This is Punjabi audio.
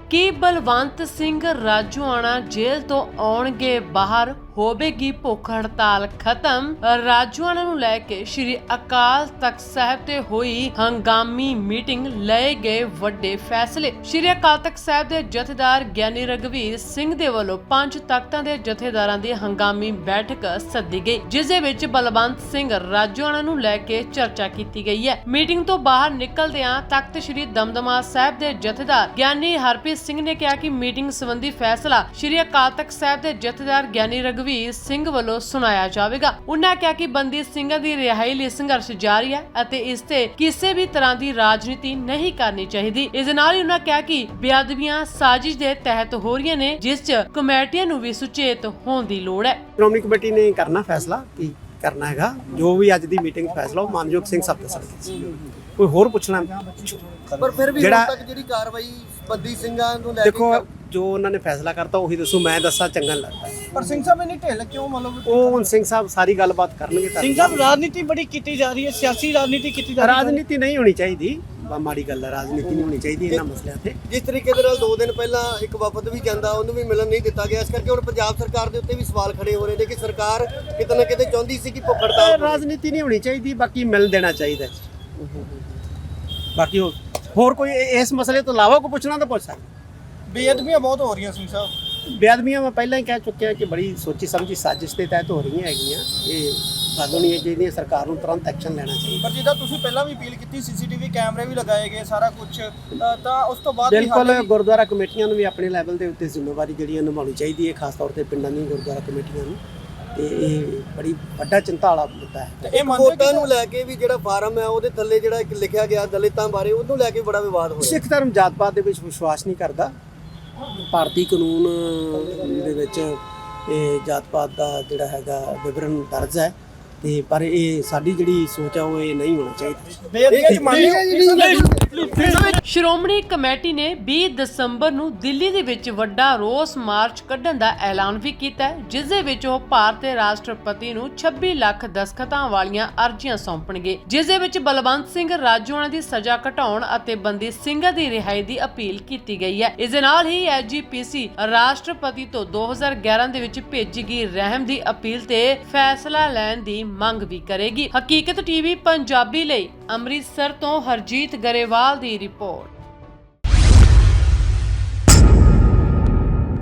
ਕੀ ਬਲਵੰਤ ਸਿੰਘ ਰਾਜੋਆਣਾ ਜੇਲ੍ਹ ਤੋਂ ਆਉਣਗੇ ਬਾਹਰ, ਹੋਵੇਗੀ ਭੁੱਖ ਹੜਤਾਲ ਖਤਮ। ਰਾਜੋਆਣਾ ਨੂੰ ਲੈ ਕੇ ਸ਼੍ਰੀ ਅਕਾਲ ਤਖਤ ਸਾਹਿਬ ਤੇ ਹੋਈ ਹੰਗਾਮੀ ਮੀਟਿੰਗ, ਲਏ ਗਏ ਵੱਡੇ ਫੈਸਲੇ। ਸ਼੍ਰੀ ਅਕਾਲ ਤਖਤ ਸਾਹਿਬ ਦੇ ਜਥੇਦਾਰ ਗਿਆਨੀ ਰਘਵੀਰ ਸਿੰਘ ਦੇ ਵੱਲੋਂ 5 ਤਖਤਾਂ ਦੇ ਜਥੇਦਾਰਾਂ ਦੀ ਹੰਗਾਮੀ ਬੈਠਕ ਸੱਦੀ ਗਈ, ਜਿਸ ਦੇ ਵਿੱਚ ਬਲਵੰਤ ਸਿੰਘ ਰਾਜੋਆਣਾ ਨੂੰ ਲੈ ਕੇ ਚਰਚਾ ਕੀਤੀ ਗਈ ਹੈ। ਮੀਟਿੰਗ ਤੋਂ ਬਾਹਰ ਨਿਕਲਦਿਆਂ ਤਖਤ ਸ਼੍ਰੀ ਦਮਦਮਾ ਸਾਹਿਬ ਦੇ ਜਥੇਦਾਰ ਗਿਆਨੀ ਹਰਪ੍ਰੀਤ ਸਿੰਘ ਨੇ ਕਿਹਾ ਕਿ ਮੀਟਿੰਗ ਸੰਬੰਧੀ ਫੈਸਲਾ ਸ਼੍ਰੀ ਅਕਾਲ ਤਖਤ ਸਾਹਿਬ ਦੇ ਜਥੇਦਾਰ ਗਿਆਨੀ ਰਘਵੀਰ ਸਿੰਘ ਵੱਲੋਂ ਸੁਣਾਇਆ ਜਾਵੇਗਾ। ਉਨ੍ਹਾਂ ਕਿਹਾ ਕਿ ਬੰਦੀ ਸਿੰਘਾਂ ਦੀ ਰਿਹਾਈ ਲਈ ਸੰਘਰਸ਼ ਜਾਰੀ ਹੈ ਅਤੇ ਇਸ ਤੇ ਕਿਸੇ ਵੀ ਤਰ੍ਹਾਂ ਦੀ ਰਾਜਨੀਤੀ ਨਹੀਂ ਕਰਨੀ ਚਾਹੀਦੀ। ਇਸ ਦੇ ਨਾਲ ਹੀ ਉਨ੍ਹਾਂ ਕਿਹਾ ਕਿ ਬੇਅਦਬੀਆਂ ਸਾਜ਼ਿਸ਼ ਦੇ ਤਹਿਤ ਹੋ ਰਹੀਆਂ ਨੇ, ਜਿਸ 'ਚ ਕਮੇਟੀਆਂ ਨੂੰ ਵੀ ਸੁਚੇਤ ਹੋਣ ਦੀ ਲੋੜ ਹੈ। ਸ਼੍ਰੋਮਣੀ ਕਮੇਟੀ ਨੇ ਕਰਨਾ ਫੈਸਲਾ ਕੀ ਕਰਨਾ ਹੈਗਾ, ਜੋ ਵੀ ਅੱਜ ਦੀ ਮੀਟਿੰਗ ਫੈਸਲਾ ਉਹ ਮਾਨਯੋਗ ਸਿੰਘ ਸਾਹਿਬ ਦੇ ਸਕਦੇ। ਕੋਈ ਹੋਰ ਪੁੱਛਣਾ ਪਰ ਫਿਰ ਵੀ ਹੁਣ ਤੱਕ ਜਿਹੜੀ ਕਾਰਵਾਈ ਬੰਦੀ ਸਿੰਘਾਂ ਨੂੰ ਲੈ ਕੇ ਦੇਖੋ, ਜੋ ਉਹਨਾਂ ਨੇ ਫੈਸਲਾ ਕਰਤਾ ਉਹੀ ਦੱਸੋ, ਮੈਂ ਦੱਸਾਂ ਚੰਗਾ ਨਹੀਂ ਲੱਗਦਾ। ਪਰ ਸਿੰਘ ਸਾਹਿਬ ਇਹਨੀ ਢਿੱਲ ਕਿਉਂ ਮਤਲਬ ਉਹ ਹੁਣ ਸਿੰਘ ਸਾਹਿਬ ਸਾਰੀ ਗੱਲਬਾਤ ਕਰਨਗੇ। ਸਿੰਘ ਸਾਹਿਬ ਰਾਜਨੀਤੀ ਬੜੀ ਕੀਤੀ ਜਾ ਰਹੀ ਹੈ, ਸਿਆਸੀ ਰਾਜਨੀਤੀ ਕੀਤੀ ਜਾ ਰਹੀ ਹੈ। ਰਾਜਨੀਤੀ ਨਹੀਂ ਹੋਣੀ ਚਾਹੀਦੀ, ਮਾੜੀ ਗੱਲ ਹੈ, ਰਾਜਨੀਤੀ ਨਹੀਂ ਹੋਣੀ ਚਾਹੀਦੀ ਇਹਨਾਂ ਮਸਲਿਆਂ ਤੇ। ਜਿਸ ਤਰੀਕੇ ਦੇ ਨਾਲ 2 ਦਿਨ ਪਹਿਲਾਂ ਇੱਕ ਵਫਦ ਵੀ ਜਾਂਦਾ, ਉਹਨੂੰ ਵੀ ਮਿਲਣ ਨਹੀਂ ਦਿੱਤਾ ਗਿਆ, ਇਸ ਕਰਕੇ ਹੁਣ ਪੰਜਾਬ ਸਰਕਾਰ ਦੇ ਉੱਤੇ ਵੀ ਸਵਾਲ ਖੜੇ ਹੋ ਰਹੇ ਨੇ ਕਿ ਸਰਕਾਰ ਕਿਤੇ ਨਾ ਕਿਤੇ ਚਾਹੁੰਦੀ ਸੀ ਕਿ ਭੁੱਖ ਹੜਤਾਲ ਹੋਵੇ। ਰਾਜਨੀਤੀ ਨਹੀਂ ਹੋਣੀ ਚਾਹੀਦੀ, ਬਾਕੀ ਮਿਲ ਦੇਣਾ ਚਾਹੀਦਾ। ਬਾਕੀ ਹੋਰ ਕੋਈ ਇਸ ਮਸਲੇ ਤੋਂ ਇਲਾਵਾ ਕੋਈ ਪੁੱਛਣਾ ਤਾਂ ਪੁੱਛ ਸਕਦਾ। ਬੇਅਦਬੀਆਂ ਬਹੁਤ ਹੋ ਰਹੀਆਂ ਸਿੰਘ ਸਾਹਿਬ। ਬੇਅਦਬੀਆਂ ਮੈਂ ਪਹਿਲਾਂ ਹੀ ਕਹਿ ਚੁੱਕਿਆ ਕਿ ਬੜੀ ਸੋਚੀ ਸਮਝੀ ਸਾਜ਼ਿਸ਼ ਦੇ ਤਹਿਤ ਹੋ ਰਹੀਆਂ ਹੈਗੀਆਂ। ਇਹ ਗੱਲ ਹੋਣੀ ਹੈ ਜਿਹਦੀ ਸਰਕਾਰ ਨੂੰ ਤੁਰੰਤ ਐਕਸ਼ਨ ਲੈਣਾ ਚਾਹੀਦਾ। ਪਰ ਜਿੱਦਾਂ ਤੁਸੀਂ ਪਹਿਲਾਂ ਵੀ ਅਪੀਲ ਕੀਤੀ, ਸੀਸੀਟੀਵੀ ਕੈਮਰੇ ਵੀ ਲਗਾਏ ਗਏ, ਸਾਰਾ ਕੁਝ, ਤਾਂ ਉਸ ਤੋਂ ਬਾਅਦ ਬਿਲਕੁਲ ਗੁਰਦੁਆਰਾ ਕਮੇਟੀਆਂ ਨੂੰ ਵੀ ਆਪਣੇ ਲੈਵਲ ਦੇ ਉੱਤੇ ਜ਼ਿੰਮੇਵਾਰੀ ਜਿਹੜੀ ਨਿਭਾਉਣੀ ਚਾਹੀਦੀ ਹੈ, ਖਾਸ ਤੌਰ ਤੇ ਪਿੰਡਾਂ ਦੀਆਂ ਗੁਰਦੁਆਰਾ ਕਮੇਟੀਆਂ ਨੂੰ। ਤੇ ਇਹ ਬੜੀ ਵੱਡਾ ਚਿੰਤਾ ਵਾਲਾ ਮੁੱਦਾ ਹੈ। ਇਹ ਵੋਟਾਂ ਨੂੰ ਲੈ ਕੇ ਵੀ ਜਿਹੜਾ ਫਾਰਮ ਹੈ ਉਹਦੇ ਥੱਲੇ ਜਿਹੜਾ ਇੱਕ ਲਿਖਿਆ ਗਿਆ ਦਲਿਤਾਂ ਬਾਰੇ, ਉਹਨੂੰ ਲੈ ਕੇ ਬੜਾ ਵਿਵਾਦ ਹੋਇਆ। ਸਿੱਖ ਧਰਮ ਜਾਤ ਪਾਤ ਦੇ ਵਿੱਚ ਵਿਸ਼ਵਾਸ ਨਹੀਂ ਕਰਦਾ। ਭਾਰਤੀ ਕਾਨੂੰਨ ਦੇ ਵਿੱਚ ਇਹ ਜਾਤ ਪਾਤ ਦਾ ਜਿਹੜਾ ਹੈਗਾ ਵਿਵਰਣ ਦਰਜ ਹੈ, ਤੇ ਪਰ ਇਹ ਸਾਡੀ ਜਿਹੜੀ ਸੋਚ ਹੈ ਉਹ ਇਹ ਨਹੀਂ ਹੋਣਾ ਚਾਹੀਦਾ। ਸ਼੍ਰੋਮਣੀ ਕਮੇਟੀ ਨੇ 20 ਦਸੰਬਰ ਨੂੰ ਦਿੱਲੀ ਦੇ ਵਿੱਚ ਵੱਡਾ ਰੋਸ ਮਾਰਚ ਕੱਢਣ ਦਾ ਐਲਾਨ ਵੀ ਕੀਤਾ ਹੈ, ਜਿਸ ਦੇ ਵਿੱਚ ਉਹ ਭਾਰਤ ਦੇ ਰਾਸ਼ਟਰਪਤੀ ਨੂੰ 26 ਲੱਖ ਦਸਖਤਾਂ ਵਾਲੀਆਂ ਅਰਜ਼ੀਆਂ ਸੌਂਪਣਗੇ, ਜਿਸ ਦੇ ਵਿੱਚ ਬਲਵੰਤ ਸਿੰਘ ਰਾਜੋਆਣਾ ਦੀ ਸਜ਼ਾ ਘਟਾਉਣ ਅਤੇ ਬੰਦੀ ਸਿੰਘਾਂ ਦੀ ਰਿਹਾਈ ਦੀ ਅਪੀਲ ਕੀਤੀ ਗਈ ਹੈ। ਇਸ ਦੇ ਨਾਲ ਹੀ ਐਸਜੀਪੀਸੀ ਰਾਸ਼ਟਰਪਤੀ ਤੋਂ 2011 ਦੇ ਵਿੱਚ ਭੇਜੀ ਗਈ ਰਹਿਮ ਦੀ ਅਪੀਲ ਤੇ ਫੈਸਲਾ ਲੈਣ ਦੀ ਮੰਗ ਵੀ ਕਰੇਗੀ। ਹਕੀਕਤ ਟੀਵੀ ਪੰਜਾਬੀ ਲਈ ਅੰਮ੍ਰਿਤਸਰ ਤੋਂ ਹਰਜੀਤ ਗਰੇਵਾਲ ਦੀ ਰਿਪੋਰਟ।